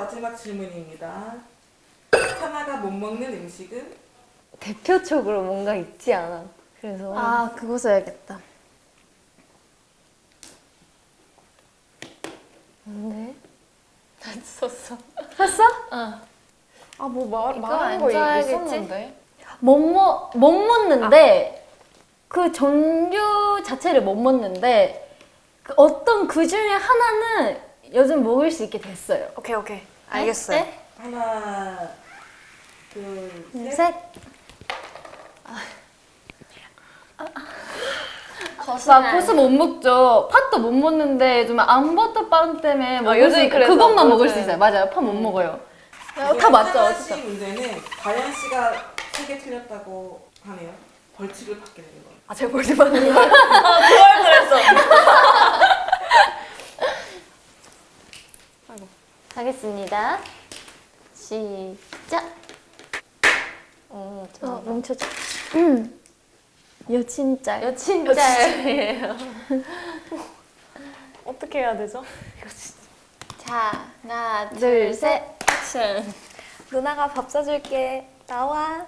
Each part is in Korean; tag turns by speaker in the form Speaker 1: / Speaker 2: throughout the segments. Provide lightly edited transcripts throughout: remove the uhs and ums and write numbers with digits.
Speaker 1: 마지막 질문입니다. 하나가 못 먹는 음식은?
Speaker 2: 대표적으로 뭔가 있지 않아. 그래서
Speaker 3: 아, 그거 써야겠다.
Speaker 2: 뭔데? 다 썼어.
Speaker 3: 했어?
Speaker 2: 어.
Speaker 4: 아, 뭐
Speaker 2: 이거
Speaker 4: 말하는
Speaker 2: 안
Speaker 4: 거
Speaker 2: 써야겠지?
Speaker 4: 있었는데.
Speaker 3: 못 먹는데 그 종류 자체를 못 먹는데 그 어떤 그 중에 하나는 요즘 먹을 수 있게 됐어요.
Speaker 4: 오케이. 알겠어요.
Speaker 3: 네?
Speaker 1: 하나, 둘, 셋.
Speaker 3: 셋.
Speaker 2: 거짓말.
Speaker 3: 고수 못 먹죠. 팥도 못 먹는데 좀 암버터 빵 때문에 먹을
Speaker 2: 요즘
Speaker 3: 수 있-
Speaker 2: 그래서
Speaker 3: 그것만 먹을
Speaker 2: 요즘.
Speaker 3: 수 있어요. 맞아요. 팥 못 먹어요.
Speaker 1: 이번에
Speaker 3: 다 맞죠,
Speaker 1: 하나 씨
Speaker 3: 어쨌든.
Speaker 1: 문제는 다현 씨가 3개 틀렸다고 하네요. 벌칙을 받게 되는 거예요.
Speaker 4: 아, 제가 벌써 받는 거.
Speaker 2: 그걸 그랬어. 하겠습니다. 시작.
Speaker 3: 멈춰줘. 여친짤.
Speaker 2: 여친짤이에요.
Speaker 4: 어떻게 해야 되죠?
Speaker 2: 자, 하나, 둘, 셋, 액션.
Speaker 4: 누나가 밥 사줄게. 나와.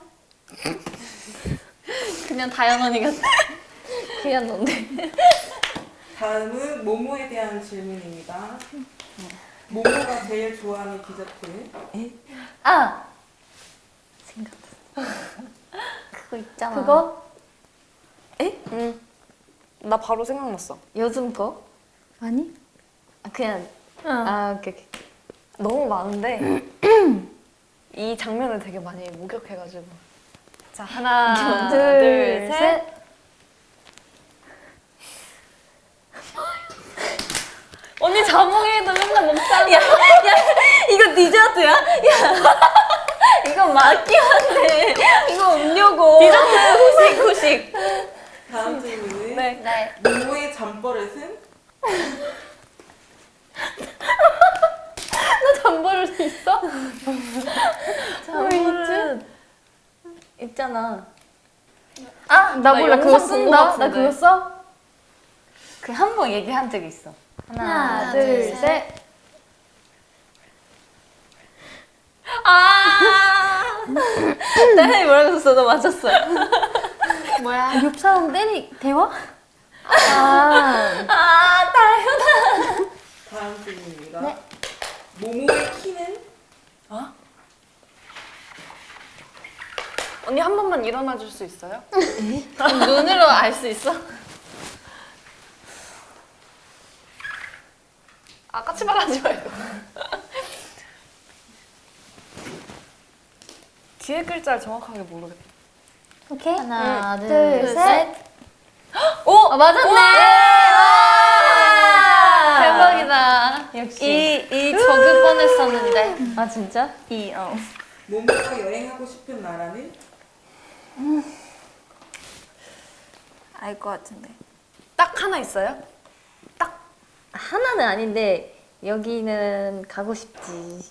Speaker 2: 그냥 다현 언니 같아. 그냥 넌데.
Speaker 1: 다음은 모모에 대한 질문입니다. 모모가 제일 좋아하는 디저트?
Speaker 2: 아! 생각났어. 그거 있잖아.
Speaker 3: 그거?
Speaker 4: 응. 나 바로 생각났어.
Speaker 2: 요즘 거?
Speaker 3: 아니?
Speaker 2: 아, 그냥.
Speaker 3: 어.
Speaker 2: 아, 오케이.
Speaker 4: 너무 많은데 이 장면을 되게 많이 목격해가지고. 자, 하나, 둘, 셋.
Speaker 2: 언니 자몽에도 맨날 먹잖아.
Speaker 3: 이거 디저트야?
Speaker 2: 이거 맞긴 한데. 이거 음료고. 디저트 후식.
Speaker 1: 다음 질문은
Speaker 4: 네.
Speaker 2: 네.
Speaker 1: 모모의 잠버릇은?
Speaker 2: 잠버릇 있어? 잠버릇 있잖아.
Speaker 3: 나 몰라. 그거
Speaker 2: 영상 본것
Speaker 3: 쓴다. 나
Speaker 2: 같은데.
Speaker 3: 그거 써?
Speaker 2: 그 한 번 얘기한 적 있어.
Speaker 3: 하나, 둘, 셋.
Speaker 2: 아! 나연이 뭐라고 썼어? 너 맞췄어.
Speaker 3: 뭐야? 옆 사람 대화?
Speaker 2: 다현아.
Speaker 1: 다음 질문입니다.
Speaker 3: 네.
Speaker 1: 모모의 키는?
Speaker 4: 언니 한 번만 일어나 줄 수 있어요?
Speaker 2: 눈으로 알 수 있어?
Speaker 4: 아, 까치발하지 말고. 뒤에 글자를 정확하게 모르겠다.
Speaker 3: 오케이.
Speaker 2: 하나,
Speaker 3: 둘, 셋.
Speaker 2: 오! 맞았네!
Speaker 3: 와!
Speaker 2: 대박이다. 역시. 이 적을 뻔했었는데. 아, 진짜?
Speaker 1: 모모가 여행하고 싶은 나라는?
Speaker 3: 알 것 같은데.
Speaker 4: 딱 하나 있어요?
Speaker 2: 하나는 아닌데, 여기는 가고 싶지.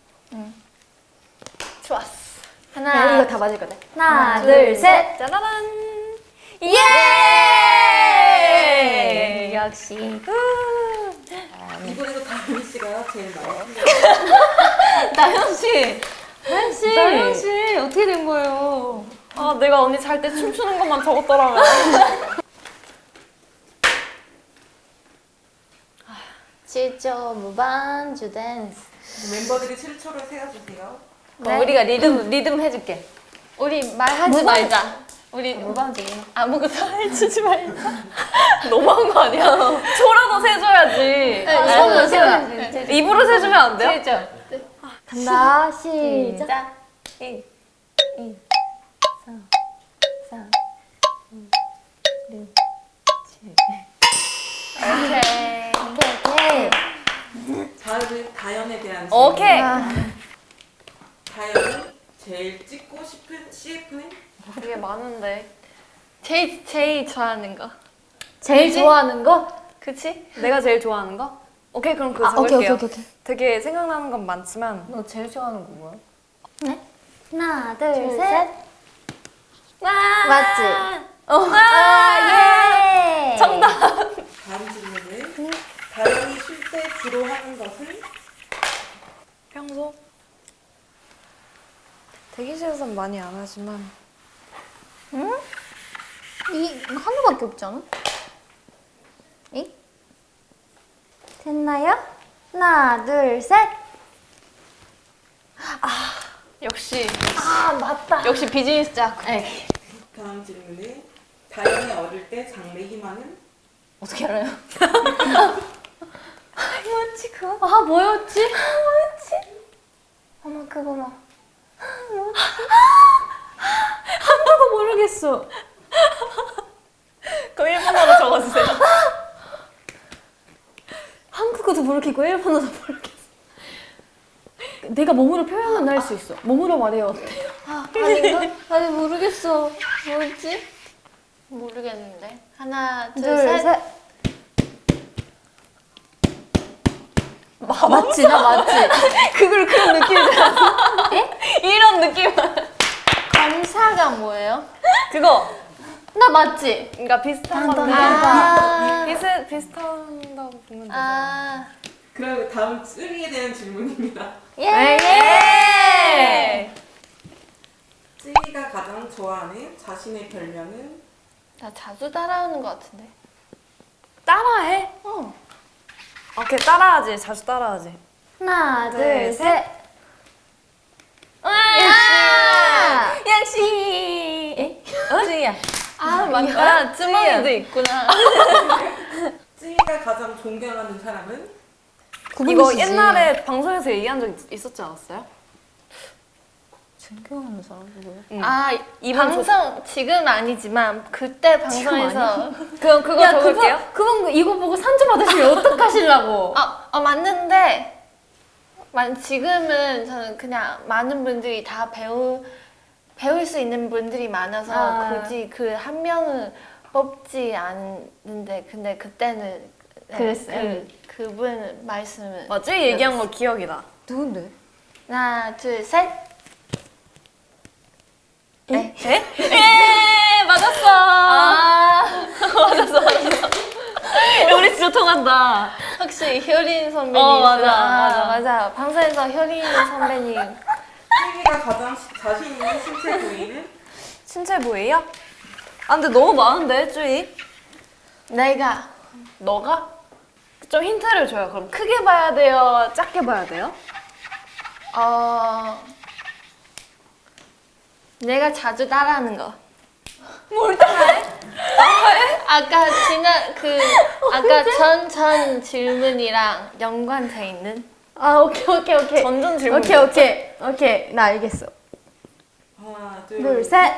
Speaker 4: 좋았어.
Speaker 2: 하나.
Speaker 3: 이거 다 맞을 거다.
Speaker 2: 하나, 둘, 셋.
Speaker 4: 짜라란.
Speaker 2: 예! 역시.
Speaker 1: 이번에도 다현 씨가 제일 많이 틀렸어요.
Speaker 2: 나연 씨! 나연 씨!
Speaker 4: 나연 씨,
Speaker 2: 어떻게 된 거예요?
Speaker 4: 아, 내가 언니 잘 때 춤추는 것만 적었더라면.
Speaker 2: 7조 무반주 댄스.
Speaker 1: 멤버들이 7초를 세워주세요.
Speaker 2: 우리가 리듬 해줄게. 우리 말하지 말자. 우리
Speaker 3: 무반주.
Speaker 2: 아무것도 해주지 말자.
Speaker 4: 너무한 거 아니야? 초라도 세줘야지.
Speaker 2: 손으로 세워.
Speaker 4: 입으로 세주면 안 돼요?
Speaker 2: 7조.
Speaker 3: 간다. 시작.
Speaker 2: 시작. 1, 2, 3, 4, 5, 6, 7. 오케이.
Speaker 3: 오케이.
Speaker 1: 다음은 다현에 대한 질문.
Speaker 4: 오케이.
Speaker 1: 다현이 제일 찍고 싶은 CF는?
Speaker 4: 되게 많은데.
Speaker 2: 제일 좋아하는 거.
Speaker 3: 제일 좋아하는 거?
Speaker 2: 그치?
Speaker 4: 내가 제일 좋아하는 거? 오케이, 그럼 그거
Speaker 3: 오케이,
Speaker 4: 적을게요.
Speaker 3: 오케이.
Speaker 4: 되게 생각나는 건 많지만
Speaker 2: 너 제일 좋아하는 거 뭐야?
Speaker 3: 하나, 둘,
Speaker 2: 둘,
Speaker 3: 셋.
Speaker 2: 셋. 와!
Speaker 3: 맞지?
Speaker 2: 예!
Speaker 4: 정답!
Speaker 1: 다음 질문은 다현이 쉴 때 주로 하는 것은?
Speaker 4: 평소에 대기실에서는 많이 안 하지만
Speaker 3: 이 하나밖에 없지 않아? 이? 됐나요? 하나, 둘, 셋.
Speaker 2: 역시
Speaker 3: 아, 맞다.
Speaker 2: 역시 비즈니스 짝.
Speaker 1: 다음 질문은 다영이 어릴 때 장래 희망은?
Speaker 2: 어떻게 알아요?
Speaker 3: 뭐였지 그거? 아, 뭐였지? 뭐였지?
Speaker 2: 어머 그거 뭐.
Speaker 3: 한국어 모르겠어.
Speaker 4: 그거 일본어로 적어주세요.
Speaker 3: 한국어도 모르겠고 일본어도 모르겠어. 내가 몸으로 표현은 할 수 있어. 몸으로 말해요. 어때요?
Speaker 2: 아닌가? 아니 모르겠어. 뭐였지? 모르겠는데. 하나, 둘,
Speaker 3: 둘,
Speaker 2: 셋.
Speaker 3: 셋. 맞지? 나 맞지?
Speaker 2: 그걸 그런 느낌이잖아. 이런 느낌. 검사가 뭐예요?
Speaker 4: 그거
Speaker 3: 나 맞지?
Speaker 4: 그러니까 비슷한 건데
Speaker 2: 아.
Speaker 4: 비슷한다고 보면 되죠.
Speaker 2: 아.
Speaker 1: 그럼 다음 쯔이에 대한 질문입니다.
Speaker 4: 예!
Speaker 1: 쯔이가 가장 좋아하는 자신의 별명은?
Speaker 2: 나 자주 따라오는 것 같은데.
Speaker 4: 따라해? 오케이 따라하지. 자주 따라하지.
Speaker 3: 하나,
Speaker 4: 둘,
Speaker 3: 둘, 셋.
Speaker 2: 역시. 쯔이야. 아 맞다. 쯔멍이도 있구나.
Speaker 1: 쯔이가 가장 존경하는 사람은?
Speaker 4: 이거 옛날에 방송에서 얘기한 적 있었지 않았어요?
Speaker 3: 존경하는 사람 누구야?
Speaker 4: 응.
Speaker 2: 아, 이 방송 지금 아니지만 그때 방송에서
Speaker 4: 그럼 그거
Speaker 3: 야,
Speaker 4: 적을게요.
Speaker 3: 그분 이거 보고 산주 받으시면 어떡하시려고?
Speaker 2: 맞는데 지금은 저는 그냥 많은 분들이 다 배울 수 있는 분들이 많아서
Speaker 3: 아.
Speaker 2: 굳이 그 한 명을 뽑지 않는데 근데 그때는
Speaker 3: 그랬어요?
Speaker 2: 그분 말씀을
Speaker 4: 맞지? 얘기한 거 기억이 나.
Speaker 3: 누군데?
Speaker 2: 하나 둘 셋.
Speaker 4: 에?
Speaker 2: 예 맞았어. 맞았어.
Speaker 4: 우리 진짜 통한다.
Speaker 2: 혹시 효린 선배님? 맞아. 방송에서 효린 선배님.
Speaker 1: 쯔이가 가장 자신 있는 신체 부위는?
Speaker 4: 신체 부위요? 아 근데 너무 많은데 쭈이?
Speaker 2: 내가
Speaker 4: 너가? 좀 힌트를 줘요. 그럼 크게 봐야 돼요? 작게 봐야 돼요?
Speaker 2: 내가 자주 따라하는 거. 뭘 따라해? 아까 아까 전 질문이랑 연관돼 있는.
Speaker 3: 아, 오케이.
Speaker 4: 전전 질문.
Speaker 3: 오케이. 나 알겠어.
Speaker 1: 하나,
Speaker 3: 둘, 셋.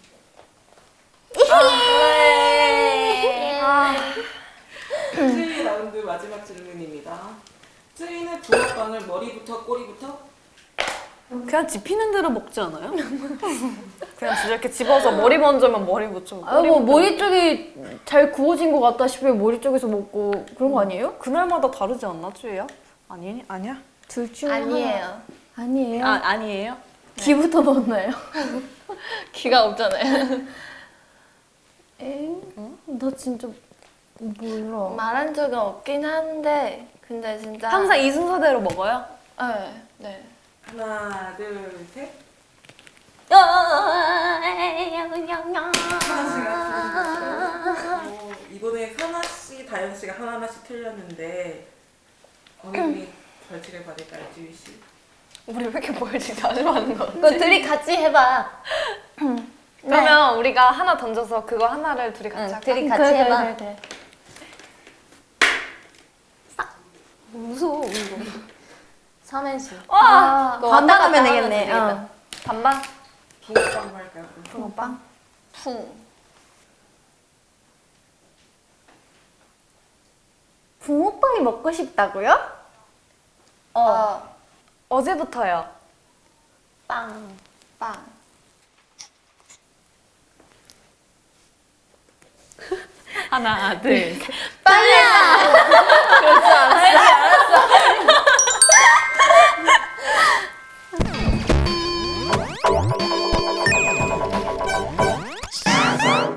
Speaker 1: 쯔이 라운드 마지막 질문입니다. 쯔이는 붕어빵을 머리부터 꼬리부터?
Speaker 4: 그냥 집히는 대로 먹지 않아요? 그냥 진짜 이렇게 집어서 머리 먼저면 머리 붙여.
Speaker 3: 아, 뭐 머리 쪽이 잘 구워진 것 같다 싶으면 머리 쪽에서 먹고 그런 거 아니에요?
Speaker 4: 그날마다 다르지 않나 쭈이야? 아니야?
Speaker 3: 둘 중에
Speaker 2: 아니에요.
Speaker 3: 하나. 아니에요.
Speaker 4: 아니에요?
Speaker 3: 귀부터 먹나요?
Speaker 2: 귀가 없잖아요.
Speaker 3: 엥? 나 진짜 몰라.
Speaker 2: 말한 적은 없긴 한데 근데 진짜
Speaker 4: 항상 이 순서대로 먹어요?
Speaker 2: 네.
Speaker 1: 하나, 둘, 셋. 이번에 선아 씨, 다현 씨가 하나씩 틀렸는데 어느 분이 벌칙을 받을까요, 쯔이 씨?
Speaker 4: 우리 왜 이렇게 벌칙 자주 하는 거?
Speaker 2: 그거 둘이 같이 해봐.
Speaker 4: 그러면 우리가 하나 던져서 그거 하나를 둘이 같이 할까?
Speaker 2: 둘이 같이 해봐.
Speaker 3: 그래.
Speaker 2: 무서워 이거. 삼행시.
Speaker 4: 와!
Speaker 2: 그거
Speaker 3: 반반
Speaker 2: 왔다
Speaker 3: 하면
Speaker 2: 갔다
Speaker 3: 되겠네.
Speaker 2: 하면
Speaker 3: 어.
Speaker 4: 반반?
Speaker 1: 붕어빵 할까요? 그럼?
Speaker 3: 붕어빵?
Speaker 2: 풍.
Speaker 3: 붕어빵이 먹고 싶다고요?
Speaker 4: 어제부터요.
Speaker 2: 빵.
Speaker 4: 하나, 둘, 셋.
Speaker 2: 그럴 줄 알았어.